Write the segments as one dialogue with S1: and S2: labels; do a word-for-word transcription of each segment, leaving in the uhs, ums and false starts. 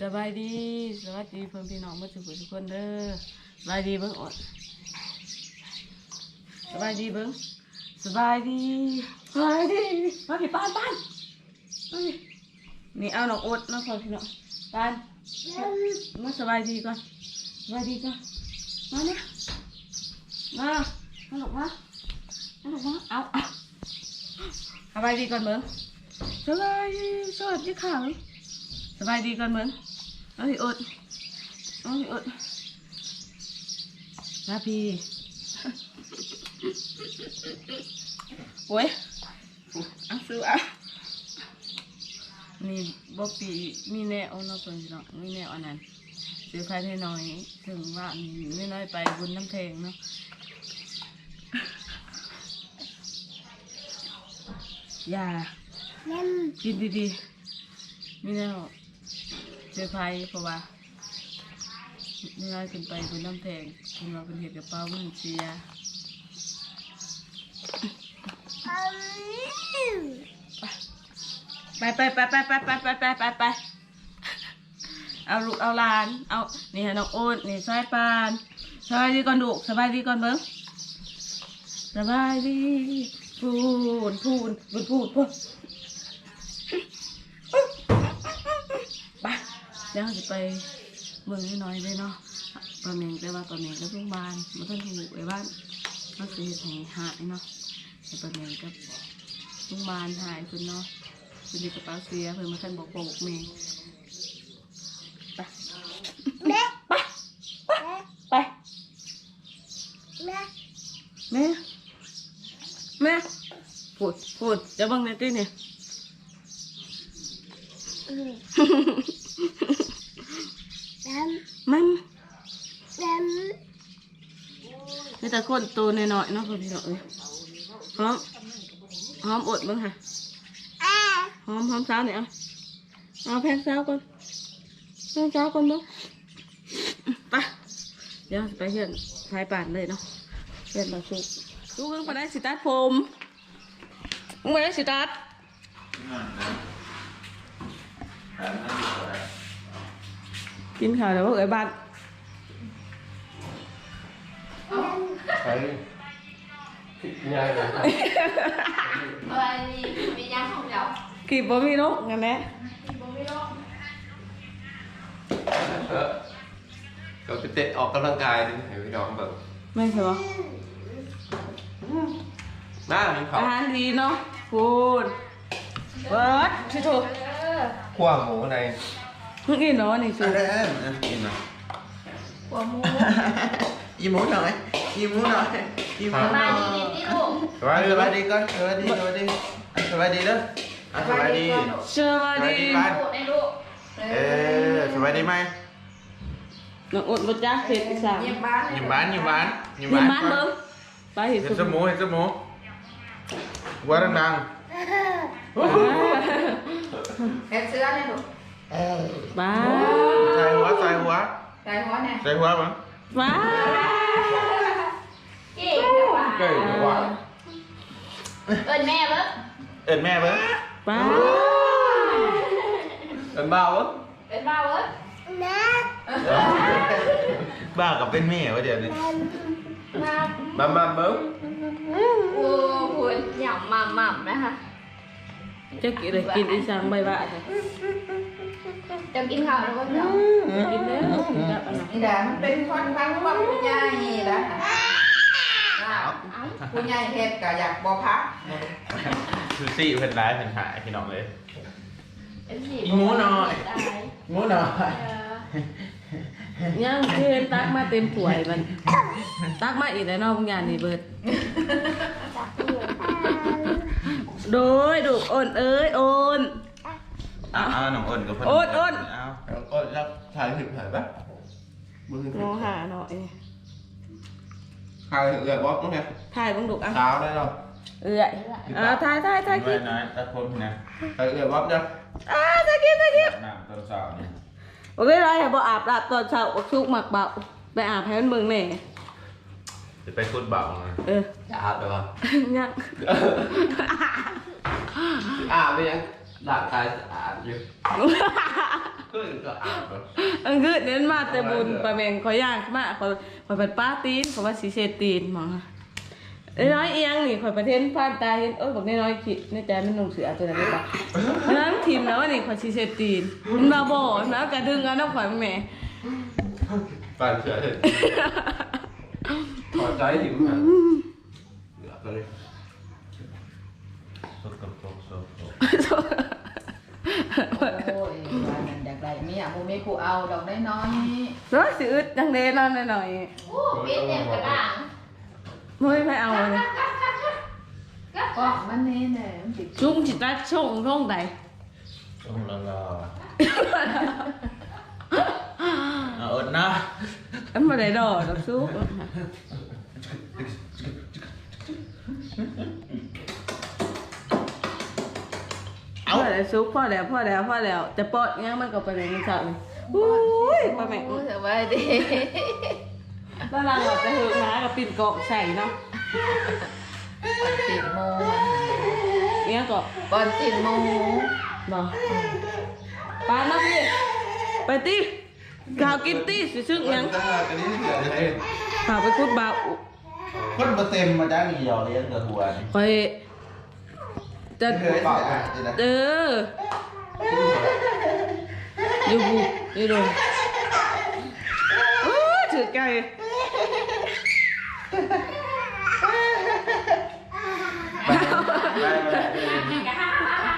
S1: สบายดีสวัสดีเพื่อนพี่น้องมาทุกคนทุกคนเด้อสบายดีเบิ้งอดสบายดีเบิ้งสบายดีสบายดีมาพี่ปานปานนี่เอาหนอกอดน้องพ่อพี่น้องปานมาสบายดีก่อนสบายดีก่อนมาเนี่ยมาเอาหนอกมาเอาหนอกมาเอาเอาสบายดีก่อนเบิ้งสบายดีสวัสดีค่ะสบายดีก่อนเบิ้งเอาพี่อดเอาพี่อดมาพี่โอ้ยเอาซื้อเอานี่บ๊อบปี้มีแนวเนาะเพื่อนเนาะมีแนวอันนั้นซื้อใครให้น้อยถึงว่าไม่น้อยไปบุญน้ำแทงเนาะอย่ากินดีๆมีแนวเจอใครเพราะว่าไม่น้อยขึ้นไปบุญน้ำแทงคุณว่าเป็นเหตุกับเป้ามันเสียไปไปไปไปไปไปไปไปไปไปเอาลูกเอาหลานเอานี่ฮะน้องโอ๊ตนี่สายปานสบายดีก่อนดูสบายดีก่อนเบิ้งสบายดีพูนพูนพูนพูนพูนไปเดี๋ยวจะไปเมืองน้อยเลยเนาะปลาเมงแต่ว่าปลาเมงก็เพิ่งบานมันต้องถูกไว้บ้านต้องซื้อให้หายเนาะแต่ปลาเมงก็เพิ่งบานหายคุณเนาะคุณดีกระเป๋าเสียเพิ่งมาท่านบอกบอกเมงไปแม่ไปไปแม่แม่แม่พูดพูดจะบังในที่นี่มันนี่แต่คนโตหน่อยๆเนาะพี่น้องเอ้ยหอมหอมอดบ้างค่ะหอมหอมสาวเนี่ยเอาเอาแพงสาวก่อนแพงสาวก่อนบ้างไปเดี๋ยวไปเห็นชายป่านเลยเนาะเห็นมาสุกลูกเพิ่งไปได้สิตัดผมมึงไปได้สิตัดกินข้าวแล้วเอ้ยบ้าน
S2: ไปยายเลย
S3: อะไรนี่มีย่างของเจ้า
S1: กีบบ่มีนกงั้นแหละ
S3: บ่มีนก
S2: เออก็ไปเตะออกกำลังกายดิให้พี่น้องแบบ
S1: ไม่ใช่ปะ
S2: หน้ามีเขา
S1: อาหารดีเนาะพูดเบิร์ดชิโต
S2: ขั้วหมูใน
S1: เพิ่งกินเนาะนี่สิ
S2: อะไรเอ็มกินหน่อย
S3: หัวหมู
S2: อีหมูหน่อยอีหมูหน่อยอีหมูหน่อย
S3: มาดีดีลูก
S2: สวัสดีสวัสดีก่อนสวัสดีสวัสดีสวัสดีเด้อสวัสดี
S1: สวัสดี
S2: บ้าน
S3: ในลูก
S2: เออสวัสดีไหม
S1: น้องอุดบ่จ้าเผ็ดอีสาน
S3: เยี่ยมบ้าน
S2: ยิ้มบ้านยิ้มบ้านยิ้ม
S1: นี่
S2: บ้าน
S1: บ้านเบิ่งไปเห็น
S2: เห็นสมูเห็นสมูว่าดังๆ
S3: แค่เสื้อเนี่ยลูก
S1: บ้า
S2: ใส่หัวใส่หัว
S3: ใส่หัวเนี่ย
S2: ใส่หัวมั้ง
S1: บ้า
S3: เก่งจังวะ
S2: เก่งกว่า
S3: เอิญแม่เบิ้ง
S2: เอ็นแม่เบิ้ง
S1: บ้า
S2: เอ็นบ้าเบิ้ง
S3: เอิญบ้าเบิ้ง
S2: บ้ากับเป็นแม่วะเดี๋ยวนี้
S3: มา
S2: บ้าบ้าเบิ้ง
S3: โอ้โหหยำหม่ำหม่ำนะคะ
S1: จะกินอะไรกินอีสานใบบ้าค่ะ
S3: จะกินข้าวแล้วก็เจ้า
S1: กินแล้วกินกับอันนั้น
S4: นี่แหละมันเป็นคนฟังว่าผู้ใหญ่แล้วผู้ใหญ่เฮ็ดก็อยากบ่พัก
S2: คือซี่เพิ่นร้ายเพิ่นหายพี่น้องเลย
S3: เป็นสี
S2: อีหมูหน่อยหมูหน่อย
S1: ย่างเพิ่นตักมาเต็มถ้วยมันตักมาอีกแล้วเนาะบางอย่างนี่เบิดโดยดูโอนเอ้ยโอน
S2: อ้าวน้องอ้นกับเพิ่น
S1: โอนโอน
S2: อ้าวอ้นแล้วถ่ายถึงถ่ายปะมือถึง
S1: มองหาหน่อย
S2: ถ่ายถึงเลยบอสมั้งไง
S1: ถ่ายบังดุกอ่ะ
S2: เช้าได้หรอ
S1: เอ้ยอ่าถ่ายถ่ายถ่ายกิน
S2: น้อยตัดผมนะถ่ายเลยบอสเด้อ
S1: อ่าถ่ายกินถ่ายกิน
S2: น้ำตอนเช้านี่
S1: โอ้ยไรบ่อาบน้ำตอนเช้าชุกหมักเบาไปอาบให้มันเบิ่งแน่
S2: จะไปคุดเบาไง
S1: เออ
S2: จะอาบได้ปะ
S1: ยัง
S2: อาบไปยังร่างกายสะอาดอยู่ก็ก็อาบ
S1: อันคือเน้นมาแต่บุญปลาแมงขอยย่างมาขอยขอยเป็นป้าตีนขอยว่าสีเซตีนหมอไอ้น้อยเอียงนี่ขอยประเทศผ่านตาเห็นเอ้ยบอกน้อยคิดในใจมันนุ่งเสือตัวนั้นได้ปะน้ำทีมแล้วนี่ขอยสีเซตีนมันมาบ่น้ำกระดึงกันน้ำข่อยแม่
S2: ปานเฉยถอดใจหิวมันเหลือก็เลยสกปรกสกปรก
S4: โอ้ยว่านั่นอยากได้มีอ่ะบ่มีผู้เอาดอกน้อย
S1: ร้อยสิอึดจังเด้นั่นหน่อย
S3: โอ้เป็นเนี่ยกระด่าง
S1: ไม่ไม่เอาเลย
S4: ๆก็มันนี่แหละมันติด
S1: ชุ่มจิตตาช่องช่องใด
S2: ต้องละลาเอาอดนะ
S1: อันมาได้ดอกดอกซุปพ่อแล้วซุปพ่อแล้วพ่อแล้วพ่อแล้วจะปอดงั้นมันก็ไปเลยมันจับเลยอุ้ยปลาแม่ง
S3: โอ้สบายดี
S1: ตารางเราจะหือม้ากับปิ่นเกาะใส่เนาะ
S4: ก่อนติดโม
S1: เนี้ยก็
S4: ก่อนติดโม
S1: เนาะปลาน้ำนี่ไปตีข่าวกินตีสิซึ่งยัง
S2: อันนี้เกิดอะไร
S1: ข่าวไปคุดบาอุ
S2: คนมาเต็มมาจ้างมีหยอกเลี้ยงกับหัวนี่
S1: คอยจะ
S2: เคยสิอ่ะสินะ
S1: เอออยู่บุอยู่โดนโอ้ยถือไก่
S2: ไปไปไป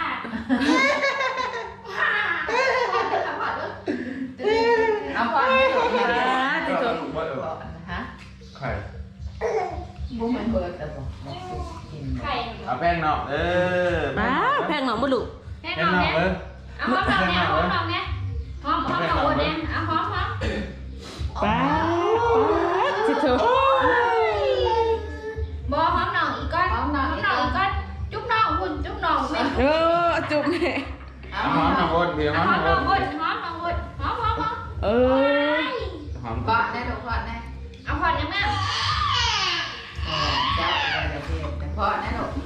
S4: เอาพอให้ถูก
S1: อ่า
S4: นะ
S1: ที่สุด
S4: ฮะ
S2: ไข่
S4: บ่มันเบิดแต่บ่บ่สิกิน
S3: ไข่
S2: เอาแป้งนอกเออ
S1: ป้าแพงหนองบุลุ
S3: แค่
S2: แป้
S3: น
S2: ง
S3: อน
S2: นอก
S3: เนี่ย
S2: เออ
S3: เอาหอมเราเนี่ยหอมเราเนี่ยหอมหอมเราเนี่ยเอาหอมหอม
S1: ป้าที่สุด
S3: บอหอมหน่องอีกก้อนหอมหน่องอีกก้อนจุ๊บหน่องคุณจุ๊บหน่องแม่
S1: เออจุ๊บแม่
S2: เอาหอมหน่อยบนเดี๋ยวห
S3: ห
S2: อ
S3: อ
S2: ม
S3: ม
S2: ห
S3: ห
S2: น่
S3: น่
S2: อ
S3: อง
S2: ยบ
S3: คุ
S2: น
S3: ณหอมหน่องคุณหอมหอมหอม
S1: เออ
S2: หอม
S4: เกาะได้ดอกพอดได้
S3: เอาพอยังแม่
S4: เออจับได้ดอกเดียวแต่พอได้ดอก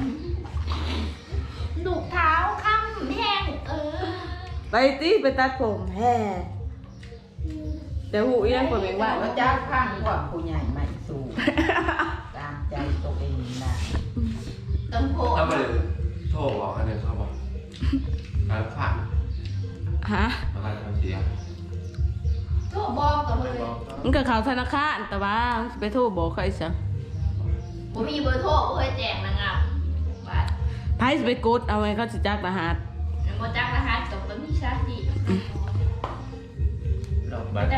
S3: ดูเท้าคำแห้งเออ
S1: ไปตีไปตัดผมแฮ่แต่หูเอียงคนเองว่า
S4: แล้วจับข้างพวกผู้ใหญ่ไม่สู้ตามใจตัวเองนะ
S3: ต้มโพ
S2: เอาไปโทรบอกอันนี้เขาบอกแล้วผ่าน
S1: ฮะ
S2: มาการทำเสียง
S3: โทบอกกับเลย
S1: มันก็เขาธนาคารแต่ว่ามันสิไปโทรบอกใครสัง
S3: ผมมีเบอร์โทรเพื่อแจกนางงามบัตร
S1: ไพ่สิไปกดเอาไว้เขาสิจักรหัส
S3: โมจังรหัสกับตัวมีชาติ
S2: บัตร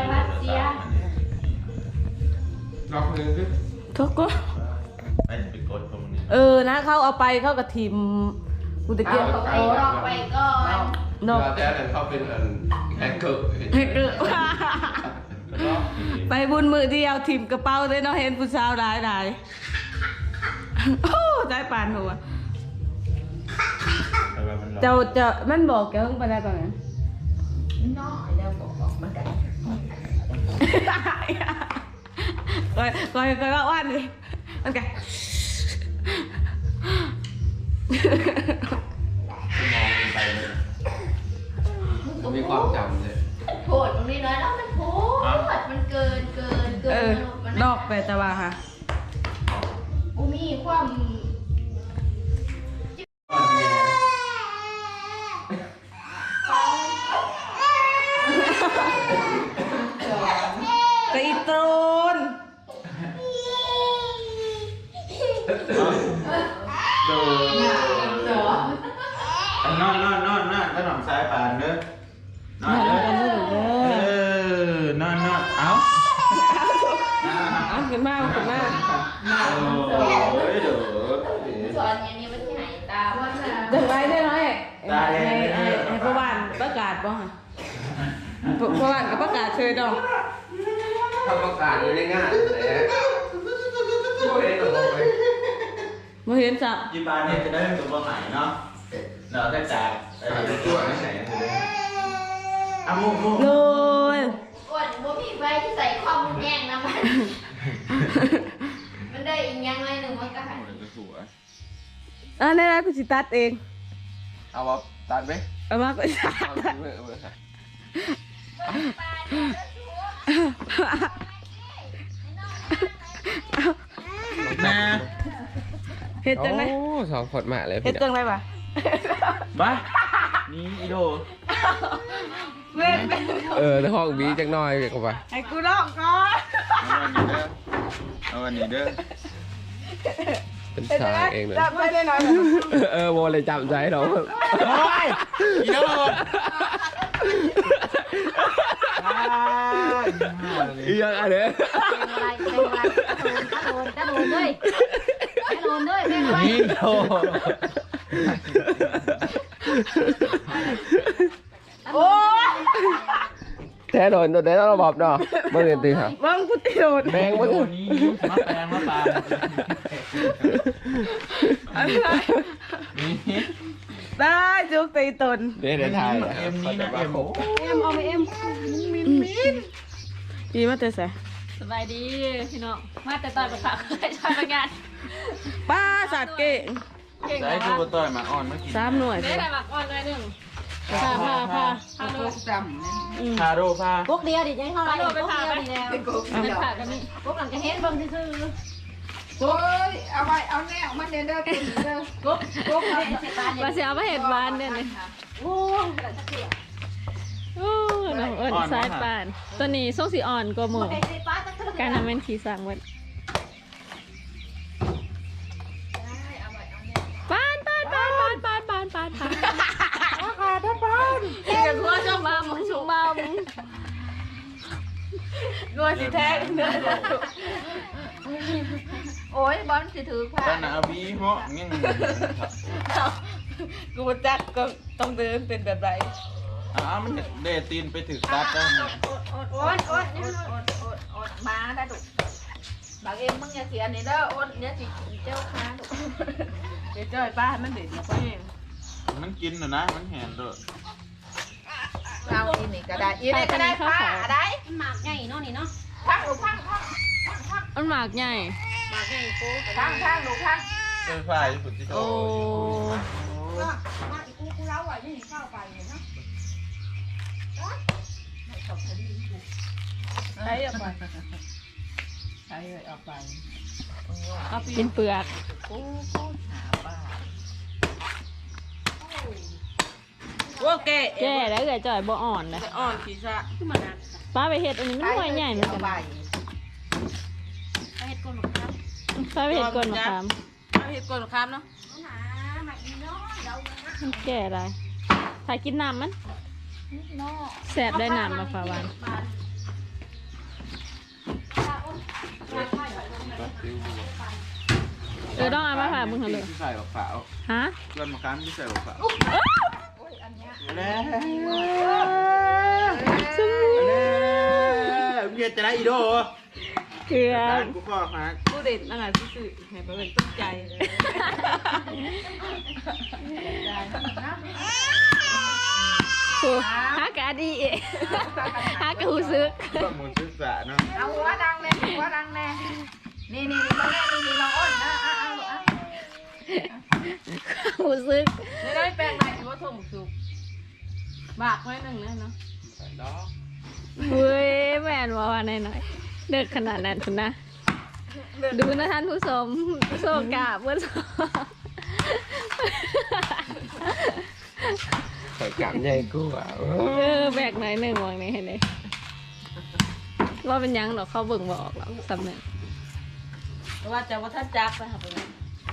S2: ล็อกมือขึ้น
S1: ทุกก็
S2: ไอ้ไปกดตรงนี้
S1: เออนะเขาเอาไปเขากับทีมกูตะเกียบ
S3: ไปรอไปก่อน
S1: นอก
S2: แต่แต่เขาเป็นแฮกเกอร์
S1: ให้เกิดไปบุญมือเดียวทีมกระเป๋าเลยเนาะเห็นผู้สาวหลายหลายโอ้ใจปานหัวเจ้าเจ้ามันบอกแกเพิ่งไปได้ตอนนั้น
S4: น้อยแล้วบอกออกมาได้
S1: ก้อยก้อยก้อยก็ว่านเลยมันไง
S2: มองไปเลยมันมีความจำเลย
S3: โผดตรงนี้น้อยแล้วมันโผดมันเกินเกินเกิ
S1: เอน อ นอกไปแต่ว่าค่ะ
S3: กูมีความ
S1: กระอีโตน
S2: ดูนอนนอนนอนนอนก็หนอมซ้ายปานเด้อนอนเด้อเออนอนนอนเอ้า
S1: เอาขึ้นมาขึ้นมา
S2: โอ้ยเด้อ
S3: สอนอย่างนี้มันที่ไหนตาว่าน่ะ
S1: เดินไปได้ไหมให้ให้ให้พ่อบ้านประกาศบ่ฮะพ่อบ้านก็ประกาศเชิญดอก
S2: ถ้าประกาศเลยง่ายเลยโอ้ยเด้อ
S1: มาเห็นจับ
S2: ยี่ปานเนี่ยจะได้เป็นตัวใหม่เนาะเนาะแต่จากอะไรตัวไหนอ่ะมุกมุก
S1: เลย
S3: กดบ่มีไฟที่ใส่ข้อมูลแย่งนะมัน มันได้อีกอย่างไรหนึ่งมันก็หาย
S1: อ่ะได้แล้วกูสิตัดเอง
S2: เอาว่าตัดไหม
S1: เอามากูตัด
S2: เอาเมื่อเมื่อ
S5: นะ
S1: เฮ็ดจังได๋
S2: โอ้สองคนมาเลย
S1: เฮ็ดจังได๋วะ
S5: บ้านี่อีโด
S1: เว้นเป็น
S2: เออในห้องบีจังน้อยเด็กว่า
S1: ให้กูร้องก่อน
S5: เอาวันนี้เด้อเอาวันนี้เด้อ
S2: เป็นชายเองเลย
S1: จับได้หน่อย
S2: เออโมเลยจำใจเรา
S5: โอ้ยอีโด
S2: อีกอย่างอันเนี้ย
S3: เป็นอะไรเป็นอะไรตะโดนตะโดนตะโดนด้วยตะโดนด้วยเป็นอะไร
S5: นี่โด
S1: โอ้ย
S2: แท้โดนตัวแท้ต้องระบอบเนาะเมื่อเรียนตีครับ
S1: มึงกูติโดน
S2: แบงเมื่อ
S5: โดนี้มาแปลงมาปลานี่
S1: ได้จุกตีตน
S2: เดี๋ยวเดี๋ยวทาย
S5: เอ็มนี่นะเอ็ม
S3: เอ็มเอาไปเอ็ม
S1: อีมาแต่ไส
S3: สบายดีพี่น้องมาแต่ตอนประกาศเคยทำงาน
S1: ป้าสัตว์เก่ง
S3: เก่ง
S5: ใช้ตัวต่อยมาอ่อนมากิน
S1: สามหน่วย
S3: ได้แต่บักอ่อนเลยหนึ่งพาพาพาพาโดน
S4: จำเนี่ย
S5: คาโดพา
S3: พวกเดียวดิยังเท่าไรพวกเดียวดีแล้วเป็นผ่ากันนี่พวกหลังจะเห็นเบิ่งซื่อ
S4: โอ้ยเอาไว้เอาแนวมันเด้อเด้อตุ่นเด้อ
S3: กุ๊บกุ๊บมาเสียมาเห็ดบานเนี่ยนี่โอ้โอ้น้องเอิญสายปานตัวนี้ส่งสีอ่อนกว่าหมูการทำเป็นขี่สั่งวันปานปานปานปานปานปานปานปานขาดปานเกี่ยวกับหัวชมมามึงชมมามึง
S1: รัวสิแท้เนื้อ
S3: โอ้ยบอลสิถือผ้า
S5: แต่หนาบีเหาะเงี้ย
S1: กูจักก็ต้องเดินเป็นแบบไร
S5: อ่ามันเดตีนไปถึงตัดได้ไหม
S3: โอ๊ตโอ๊ตโอ๊ตโอ๊ตโอ๊ตโอ๊ตมาได้ดุบางเอ็มมึงอย่าเสียนี่เด้อโอ๊ตเนี่ยสิเจ้าค้าดุ
S1: เดี๋ยวจ้อยป้ามันเด็ดมาไปเอง
S5: มันกินนะนะมันแหนเด้อ
S4: เอาอีนี่ก็ได้อีนี่ก็ได้ผ้าได้
S3: หมากใหญ่เนาะนี่เนาะ
S4: พังหนูพังพัง
S1: มันหมากใหญ่
S3: หมากใหญ่กู
S4: พังพังหนูพัง
S5: เออฝ่ายฝุ่นที่โต
S1: โอ้
S4: มาอีกูกูเล่าไว้นี่เข้าไปเนาะ
S1: ใช้เอาไป
S4: ใช้เลยเอาไป
S1: เอาไป
S3: กินเปลือก
S4: กูกูหาป้า
S1: โอ้แก่
S3: แก่แล้วเกิดจ่อยบ่อ่อนเลย
S1: อ่อนขีซะ
S3: ป้าไปเห็ดอันนี้มันหน่วยใหญ่เหมือนกัน
S4: ไป
S3: ป้าไปเห็ดกลนมะขามป้าไปเห็ดกลนมะขาม
S1: เอาเห็ดกวนข้ามเนาะ
S3: มันแก่อะไรถ่ายกินน้ำมันแสบได้น้ำมาฝาวันเออต้องเอามาฝากมึงเหรอเลย
S5: ที่ใส่ขาว
S3: ฮะ
S5: เพื่อนมาค้ำที่ใส่ขาวแล้ว
S3: ซึ่ง
S5: แล้วเมียจะได้อีโด
S3: เกลือ
S5: ร้านกูพ่อฮัก
S1: กูเด็ดนั่นแหละซื่อๆให้ไปเป็นต้นใจ
S3: โอ้ฮากะดีฮากะหูซึก
S5: ก็มูลศึกษาเนาะ
S4: เอาหัวดังแน่หัวดังแน่นี่นี่นี่มาแน่นี่นี่น้องอ้นนะเอาเอาเอา
S3: หูซึก
S1: ไม่ได้แปลงไหนถือว่าส่งสุกบากไว้หนึ่งเลยเนาะ
S3: เฮ้ยแม่นว่าว่าหน่อยๆเด็กขนาดนั้นคุณนะ ดูนะท่านผู้ชมโซกาเพื่อน
S2: เปิดกลับใหญ่กูอ่ะ
S3: เออแบกหน่อยหนึ่งวางนี้ให้เลยว่าเป็นยังหรอกเขาเบิ่งบอกหรอกสำเนึก
S1: แต่ว่าจะว่าถ้าจักไปหาไปเลย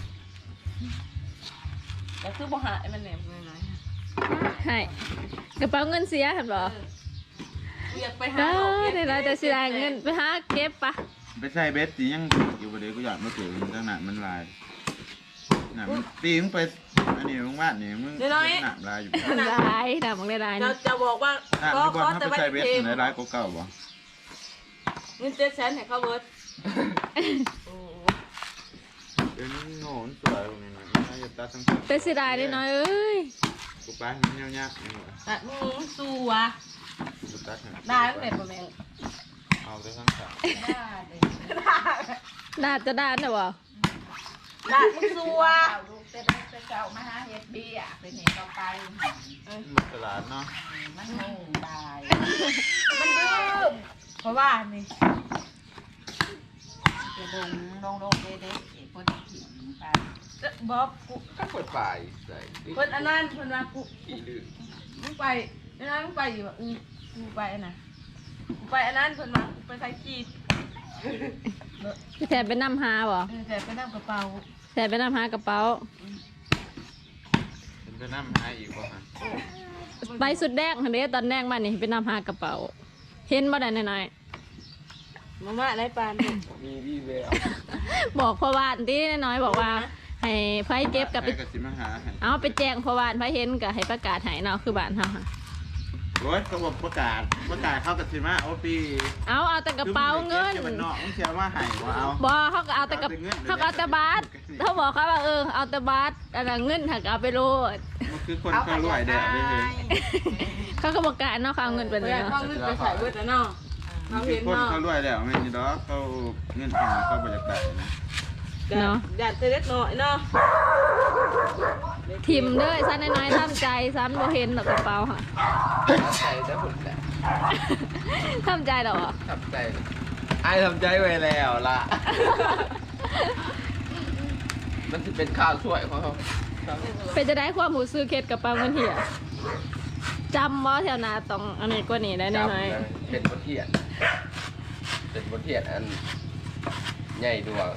S1: แต่คือบ่หายมันแหนมน้อย
S3: ให้กระเป๋าเงินเสียครับบอ
S1: ๆอยากไปหา
S3: เอ
S1: เอา
S3: อ
S1: เก็บ
S3: เดี๋ยวเราจะเสียเงินไปหาเก็บปะ
S5: ไปใส่เบสตียังอยู่ประเดี๋ยวกูอยากมาเจอมึงตั้งนานมันลายหนามันตีมึงไปอันนี้มึงวาดนี่มึงหนาลายอยู่
S3: ได้ดำของได้ได้
S1: จะ
S3: นะ
S1: จะบอกว่า
S5: หนา
S1: ก็
S5: ที่บอ
S1: ก็
S5: ลถ้า
S1: แต่
S5: ไป
S1: ว่า
S5: ใส่เบส
S1: เทม
S5: ในร้ายก็เก่าบ่
S1: เงินเจ็ดแสนให้เขาเบิร์ด
S5: เดี๋ยวนี้โง่สวยตรงนี้นะน่าจะตัดทั้ง
S3: เป็นเสียดายได้น้อยเอ้ย
S5: กูไปมันเงี้ยเงี้ยนี่หว่า
S1: แต่มึงสู้วะ
S5: กูตัด
S1: ได้ตั้งแต่ประมาณ
S5: เอาได้ทั้งสาม
S3: ดาดจะดาดนะวะ
S1: ได้มึงสู้วะ
S4: จะได้ไปเจ้ามาหาเฮ็ดเบี้ยไปนี่ก็ไป
S5: มันตลาดเนาะ
S4: มันงงบาย
S1: มันดื้อเพราะว่านี่
S4: จะลงลงลงเด็กๆเพิ่นถิ่นไป
S1: บอกกู
S2: ก็เปิดปลายใส่
S1: เพิ่นอันนั้นเพิ่นว่ากู
S2: ขี้ลืม
S1: มึงไปอันนั้นมึงไปอยู่ว่าอือกูไปอันน่ะกูไปอันนั้นเพิ่นว่ากูไปใส่กีด
S3: พี่แทนไปนำหาบ่
S1: เออแต่ไปนั่งกระเป๋า
S3: แทนไปนำหากระเป๋า
S5: เป็นไปน้ำหาอีกบ่ฮะ
S3: ไปสุดแดงหันเด้ตอนแดงมานี่ไปนำหากระเป๋า เห็นบ่ได้น้อย
S1: มาม่าไรปาน
S2: มีวี่แวว
S3: ๆบอกพ่อบ้านที่น้อยๆบอกว่าให้ไฟเก็บกับไป
S5: ไปกับสิมาหาให้
S3: เอาไปแจ้งพ่อบ้านไฟเห็นก็ให้ประกาศให้เนาะคือบ้านเฮาค่ะ
S5: โอ้ยเขาบอกประกาศประกาศเข้ากับสิมาโอปี
S3: เอาเอาแต่กระเป๋าเงิน
S5: คือมึงไปก็บเนาะมึงเชื่อว่าให้บ่เอา
S3: บอเขาก็เอาแต่กับเขาก็เอาแต่บาทเขาบอกเขาว่าเออเอาแต่บาทอะไรเงินถักเอาไปโลด
S5: มันคือคนเขารวยเด้อเด้อ
S3: เขาก็บอกการเนาะเขาเอาเงินไป
S1: ไป
S3: เลย
S1: เอา
S3: เนาะ
S1: เงินไปใส่เบิดแล้วเนาะ
S5: มั
S1: เขา
S5: นคื
S1: เห็
S5: อน คน
S1: เนาะ
S5: เขารวยแล้วแม่นี่ดอกเขาเงินเขาเขาบ่อยากได้นะ
S3: เนาะ
S1: อยากจะเล็กน้อยเนาะ
S3: ทิมเด้อซ้ำน้อยๆทำใจซ้ำบ่เห็นหรอกกระเป๋าค่ะ
S2: ใส่ได้ผลแหละ
S3: ทำใจหรอ
S2: ทำใจไอ้ทำใจไว้แล้วล่ะ มันจะเป็นข้าวสวยของเขา
S3: เป็นจะได้ความหูซื้อเคสกระเป๋าเงินเหี่ยจำว่าแถวนาต้องอันนี้กว่านี้ได้น้อย
S2: เป็นบทเทียน เป็นบทเทียนอันใหญ่ดวง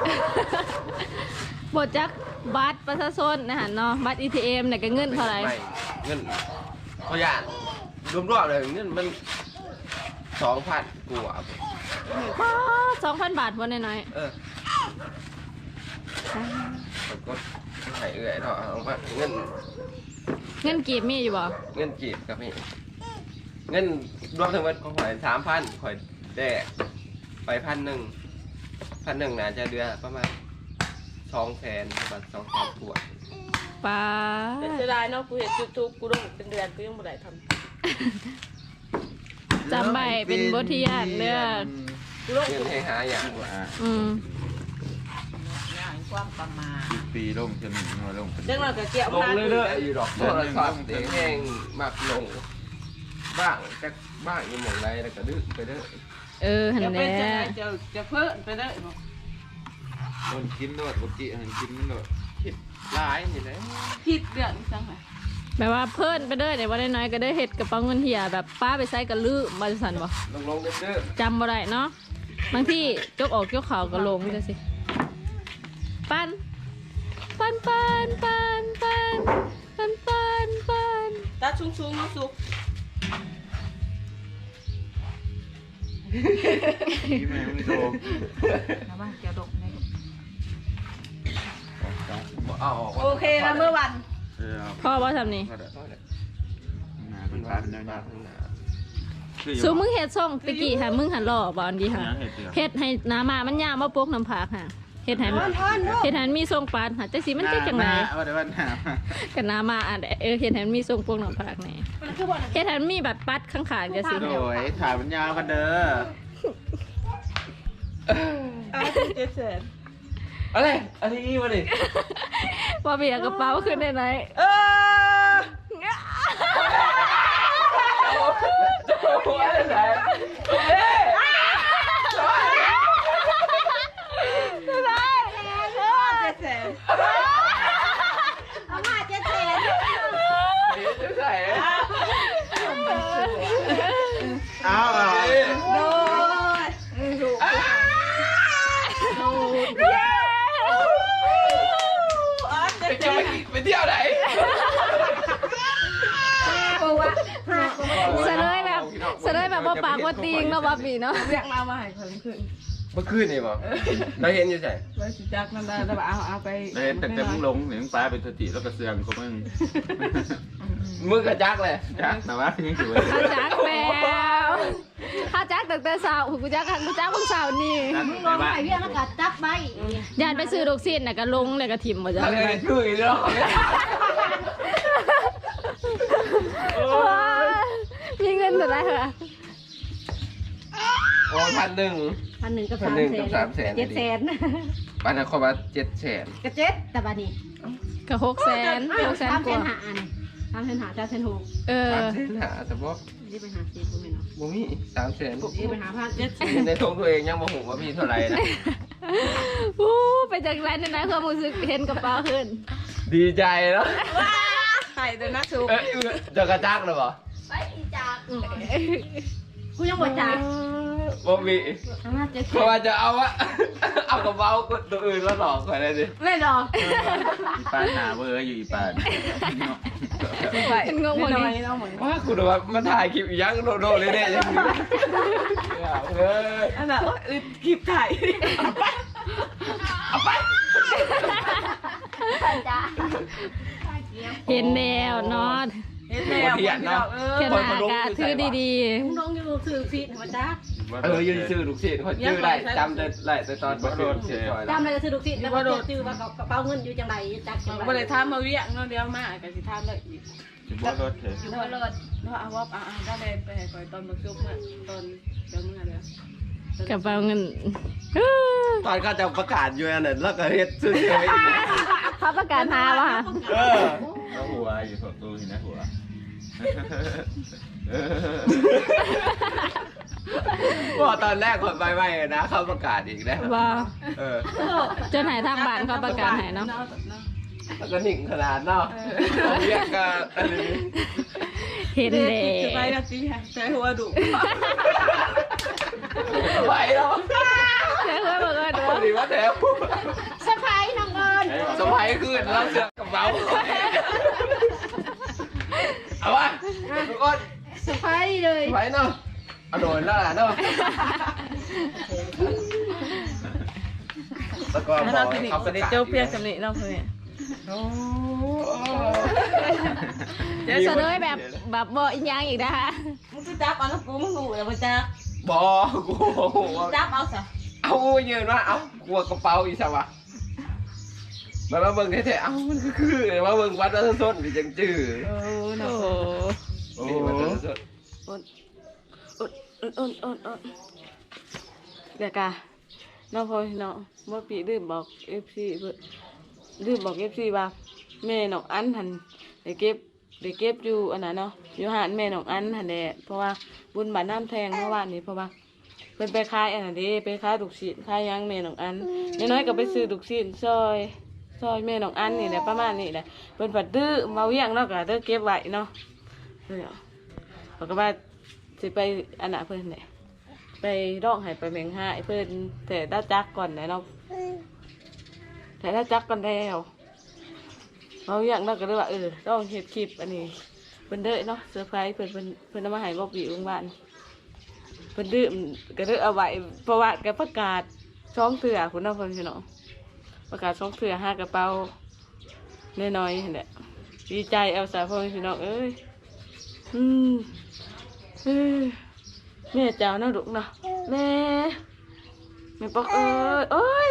S3: ๆบทจักบัตรประชาชนนะฮะเนาะบัตร อี ที เอ็มเนี่ยก็เงินเท่าไหร่
S2: ม่เงินเขาย่านรวมๆเลยเงินมันสองพันกว่า
S3: สองพันบาทวันน้อย
S2: เออผมก็ใส่เอื่อยเถอะเอาว่าเงิน
S3: ๆเงินกีบมีอยู่บ่
S2: เงินกีบกับพี่เงินรวมทั้งหมดของข่อยสามพันข่อยแดกไปพันหนึ่งพันหนึ่งน่าจะเดือนประมาณสองแสนประมาณสองแสนกว่า
S3: ป้า
S1: แต่เสียดายเนาะกูเห็นจุดทุกกูต้องเป็นเดือนกูยังบ่ได้ทำ
S3: จำใบเป็นบทเรียนเด้อ
S1: กูต้อง
S2: เงินให้หาอย่าง
S5: ว่า
S3: อืม
S4: อย่างความประมาท
S5: สิบปีลงจะหนึ่งมาลงเป็น
S1: เรื่องเราก็เกี่ยว
S2: ลงเรื่อยๆอยู่ดอกโทรศัพท์เด็กแห้งมากลงบ้างจะบ้างอยู่หมองไรแล้วก็ดื้อไปเด้อ
S3: เออหัน
S1: จะ
S3: แห
S1: เป็นจะ
S3: ละ
S1: จะจะเพิ่มไปได้บ่
S5: คนกินโดดปกติหันกินมันโดด
S2: คิดร้ายนี่แหละ
S1: ผิดเดือนจังไง
S3: แบบว่าเพิ่นไปเด้อเดี๋ยวว่าได้น้อยก็ได้เฮ็ดกระเป๋าเงินเหี่ยแบบป้าไปใส่กระลือบริษัทบ่
S2: ลงลงเด้อ
S3: จำบ่ได้เนาะบางที่จกออกจกเข่าก็ลงจังซี่ปันปันปันปันปันปันปันปัน
S1: ตาชุ่งๆน้ำซุป
S5: ที่แม่มึงโต
S4: นะว่าจะดกใน
S2: เอาออก
S1: โอเคแล้วเมื่อวัน
S5: เออ
S3: พ่อบ่ทำนี่
S5: ก็ได้หน้าเป็นปลาเป็นแนวๆ
S3: สูมึงเฮ็ดส่งตะกี้หามึงหันหล่อบ่อันดีค่ะ
S5: ยังเห็ดเดียว
S3: เฮ็ดให้หน้ามามันยาวมาปกน้ำผักค่ะเฮ็ดให้มันเฮ็ดให้มันมีทรงปานค่ะจังสิมันจะจังได
S5: ว่าได้ว่าหน้า
S3: กันน้ามาอันเออเฮ็ดให้มันมีทรงปกน้ำผักแหน่เฮ็ดให้มันมีบัดปัดข้างๆจังซี่
S5: โดยถ่ายมันยาวกันเด้อ
S1: เอาเจ็ดแสน
S2: อะไรอันนี้มาดิ
S3: ว่าเบียกระเป๋าขึ้นได้ไหน
S1: เออ
S2: โอ้โหอะไรเฮ้ย
S1: เจ็ดแสน
S4: เอามาเจ็ดแสน
S2: จะใส่
S5: เอาเอา
S1: โดยถูกอ๋อเจ็ด
S2: ไป
S1: แส
S2: จะไป
S1: น
S2: ไปเที่ยวไหน
S3: เสนอแบบเสนอแบบว่าปากว่าติงเนาะว่าปีเนาะ
S1: เรียกมามาให้คนขึ้น
S2: เมื่อคืนนี่บ่เราเห็นอยู่ใส่
S1: ไว้สิจักนั่นได้แต่ว่าเอาเอาไป
S5: เห็นแต่แต่มึงลงหรือมึงปลาเป็นสติแล้วก็เสื่อมเขามึง
S2: มือกระจักเลย
S5: จักแต่ว่ายังถือว่า
S3: ข้าจักแล้วข้าจักตั้งแต่สาวกูจักกูจักเพิ่งสาวนี่
S4: มึงลงไปเรียกแล้วก็จับไป
S3: ยานไปซื้อดอกซีนน่ะก็ลงเลยก็ถิ่มบ่จ้ะ
S2: ทะเลคืออีกแล้ว
S3: มีเงินเท่าไหร่ค่ะ
S2: โอ้พันหนึ่ง
S4: พันหนึ่งกับ
S2: พัน
S4: สาม
S2: หนึ่ง
S4: แส
S2: กับ
S4: น
S2: สามแสน
S4: เจ็ดแสน
S2: บ้านนครวัดเจ็ดแสน
S4: กระเจ็ดแต่บัดนี้
S3: ก็หกแสนหกแสนกว่า
S1: ทำเส้นหาจ้าเส้นหก
S3: เออ
S2: สามแสนหาแต่บ่
S1: นี่ไปหาซีกูไม่เนาะ
S2: บ่มีสามแสน
S1: นี่ไปหาพันเจ็ดสิบ
S2: ในทงตัวเองยังบ่ฮู้ว่ามีเท่าไหร่นะ
S3: วู้ไปจากไรในนั้นความรู้สึกเห็นกระเป๋าขึ้น
S2: ดีใจเนาะ
S1: ไข่เดินนักสู
S2: เอ้ยจะกระจักเลยบ่
S1: กูยังบ่จ่าย
S2: บ่มี
S1: ห้าเจ็ด
S2: เพราะว่าจะเอาอะเอากระเป๋าตัวอื่นแล้วหลอกไปเลยดิ
S1: ไม่หรอก
S5: อีปานหาเบอร์อยู่อีปาน
S1: ไป
S3: งงหมดเลย
S1: น้องเหมือน
S2: ว่าคุณว่ามันถ่ายคลิปอีหยังโดโดเลยเนี่ยยังอยู่เออ
S1: อันน่ะอึดคลิปถ่าย
S3: เห็นแล้วเนาะ
S1: เห็นแล้ว
S2: เทียนเนาะ
S1: เอ
S3: แค่หนากาถือดี
S1: มึงน้องอยู่ถือฟีดมาจ้า
S2: เออยืนซื้อลูกศิษย์คนชื่อได้จำได้ได้แต่ตอนประโดดเฉย
S6: จำอะไรก็ซื้อลูกศิษย์แล้วก็ซื้อว่ากระเป๋าเงินอยู่จังไรจักจัง
S1: บ่
S6: ไร
S1: ได้ทำมาเวียงเนาะเดียวมาก็สิทำได้อีก
S5: ถึงว่ารถเถอะ
S1: อยู่บนรถเนาะเอาว่าอ่าได้ไปไปก่อยตอนมาซุกเมื่อตอนเดี๋ยวเมื่อเด้อ
S3: ๆกระเป๋าเงินเออ
S2: ตอนเขาจะประกาศอยู่อันนั้นแล้วก็เฮ็ดซื้อเฉย
S3: เขาประกาศหาว่ะ
S2: เออ
S5: แล้วหัวอยู่สดตู้เห็นนะหัว
S2: ว่าตอนแรกคนไปไม่นะเขาประกาศอีกนะ
S3: ว่า
S2: เออ
S3: จนหายทางบ้านเขาประกาศให้เนาะ
S2: แล้วก็หนิ่งขนาดเนาะเรียกกันอะไรนี้
S3: เห็น
S1: เด็
S3: แล้
S1: กจะไป
S3: ว
S1: นะสิใช้หัวดุ
S2: ไหวแล้ว
S3: ใช่ว่าบอกว่า
S2: พอดีว่าแถว
S6: สะพายน้องเอิญ
S2: สบายขึ้นแล้วเสือกกระเป๋าเอาวะทุกคน
S6: สะพายเลย
S2: ไหวเนาะเอาโดนแล้วล่ะเนาะแล้วก็บ
S1: แล้ว
S2: อ
S1: เรา
S2: ก
S1: ที
S2: ให้
S1: นี้
S2: เขาประ
S1: เดี๋ยว
S2: กาศ
S1: เจ้าเปียกกับนี่เราเพื่อน
S2: โอ้
S3: เดี๋ยวเสนอแบบแบบบอกอีกอย่างอีกนะคะ
S6: มึงไปจับเอาแล้วกูมึงหูแล้วมึงจับ
S2: บอกกู
S6: จับเอาซะ
S2: เอายืนว่าเอากลัวกระเป๋าอีสวะมามาเบิ่งแท้ๆเอ้ามันก็คือมาเบิ่งวัดวัดส้นหรือจังจื้อ
S1: โอ้
S3: โอ้
S1: เนาะ
S2: โอ้วัดวัดส้น
S1: อดอดอดอดอดอดเดี๋ยวกะน้องพลอยน้องเมื่อปีลืมบอกเอฟซีลืมบอกเอฟซีว่าแม่น้องอันหันได้เก็บได้เก็บอยู่อันนั้นเนาะอยู่หานแม่น้องอันหันแหละเพราะว่าบุญบาทน้ำแทงเมื่อวานนี้เพราะว่าเพิ่นไปขายอันนั้นเด้ไปขายลูกชิ้นขายหยังแม่น้องอันน้อยๆก็ไปซื้อลูกชิ้นซอยซอยแม่น้องอันนี่แหละประมาณนี้แหละเพิ่นผัดดื้อมาเวียงเนาะก็เด้อเก็บไว้เนาะเดี๋ยวเขาก็ว่าสิไปอันน่ะเพิ่นเนี่ยไปร้องให้ไปเมงหายเพิ่นแต่ได้จักก่อนนะเนาะแต่ได้จักก่อนแล้วมาเวียงเนาะก็เลยว่าเออร้องเฮ็ดคลิปอันนี้เพิ่นเด้อเนาะเซอร์ไพรส์เพิ่นเพิ่นเพิ่นเอามาให้บ่ปีอุ้งบ้านเพิ่นดื้อก็เลยเอาไว้เพราะว่าแกประกาศช่องเถื่อคุณน้องเพิ่นพี่น้องประกาศช่องเถื่อห้ากระเป๋าน้อยๆนั่นแหละดีใจเอาสายพ่อพี่น้องเอ้ยอืมเอ้ยแม่เจ้าเนาะลูกเนาะแม่แม่ปอกเอ้ยเอ้ย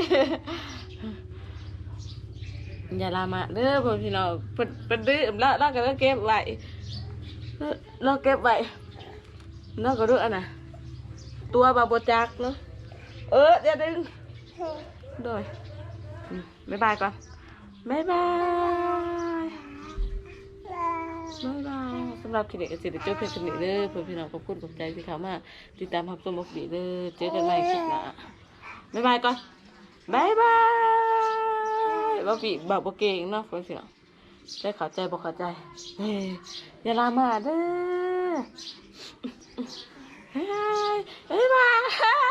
S1: อย่าลามาเด้อพ่อพี่น้องเพิ่นเพิ่นดื้อแล้วแล้วก็เก็บไว้แล้วเก็บไว้แล้วก็ดูอันน่ะตัวบาโบจักเนาะเออเดี๋ยวดึงโดยอืมบ๊ายบายก่อนบ๊ายบายบ๊ายบายสำหรับคลิปนี้ก็สิได้จบเพียงเท่านี้เด้อเพื่อนพี่น้องขอบคุณขอบใจที่เข้ามาติดตามรับชมบอกดีเด้อเจอกันใหม่คลิปหน้าบ๊ายบายก่อนบ๊ายบายบ่ปีบ่บ่เก่งเนาะเพื่อนพี่น้องได้เข้าใจบ่เข้าใจเฮ้ยอย่าลามาเด้อบ๊ายบาย